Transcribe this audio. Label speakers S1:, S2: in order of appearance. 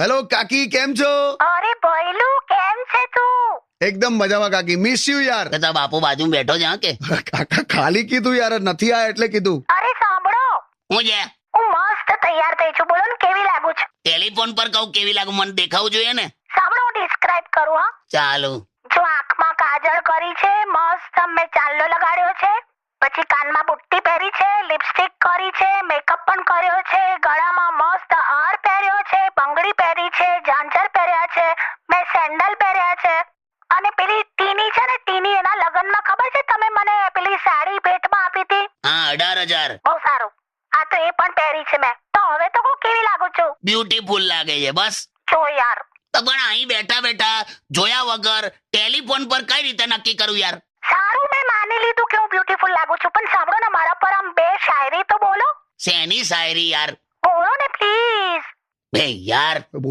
S1: Hello કાકી, કેમ છો?
S2: અરે ભઈલું કેમ છે તું?
S1: એકદમ મજામાં કાકી. મિસ યુ યાર.
S3: તારા બાપુ બાજુ બેઠો છે કે
S1: કાકા ખાલી કીધું યાર, નથી આયા એટલે કીધું.
S2: અરે સાંભળો,
S3: હું છે
S2: હું મસ્ત તૈયાર થઈ છું. બોલો ને કેવી લાગુ છું?
S3: ટેલિફોન પર કહું કેવી લાગુ, મને દેખાવું જોઈએ ને.
S2: સાંભળો, હું ડિસ્ક્રાઇબ કરું. હા,
S3: ચાલુ.
S2: જો આંખમાં કાજળ કરી છે, મસ્ત મેં ચાંદલો લગાડ્યો છે, પછી કાનમાં બુટ્ટી પહેરી છે, લિપસ્ટિક કરી છે, મેકઅપ પણ કર્યો છે, ગળામાં મસ્ત હાર પહેર્યો છે, બંગડી પહેરી છે, ઝાંઝર પહેર્યા છે, મેં સેન્ડલ પહેર્યા છે, અને પેલી ટીની છે ને, ટીની એના લગ્નમાં ખબર છે તમે મને પેલી સાડી ભેટમાં આપી હતી?
S3: હા, 18,000.
S2: બહુ સારું. આ તો એ પણ પહેરી છે મેં. તો હવે તો હું કેવી લાગુ છું?
S3: બ્યુટીફુલ લાગે છે બસ.
S2: જો યાર,
S3: તો પણ અહીં બેઠા બેઠા જોયા વગર ટેલિફોન પર કઈ રીતે નક્કી કરું યાર?
S2: સારું, મેં માની લીધું કે હું બ્યુટીફુલ લાગુ છું, પણ સાંભળો ને, મારા પર આમ બે શાયરી તો બોલો.
S3: શેની શાયરી યાર?
S2: બોલો ને પ્લીઝ.
S3: બે યાર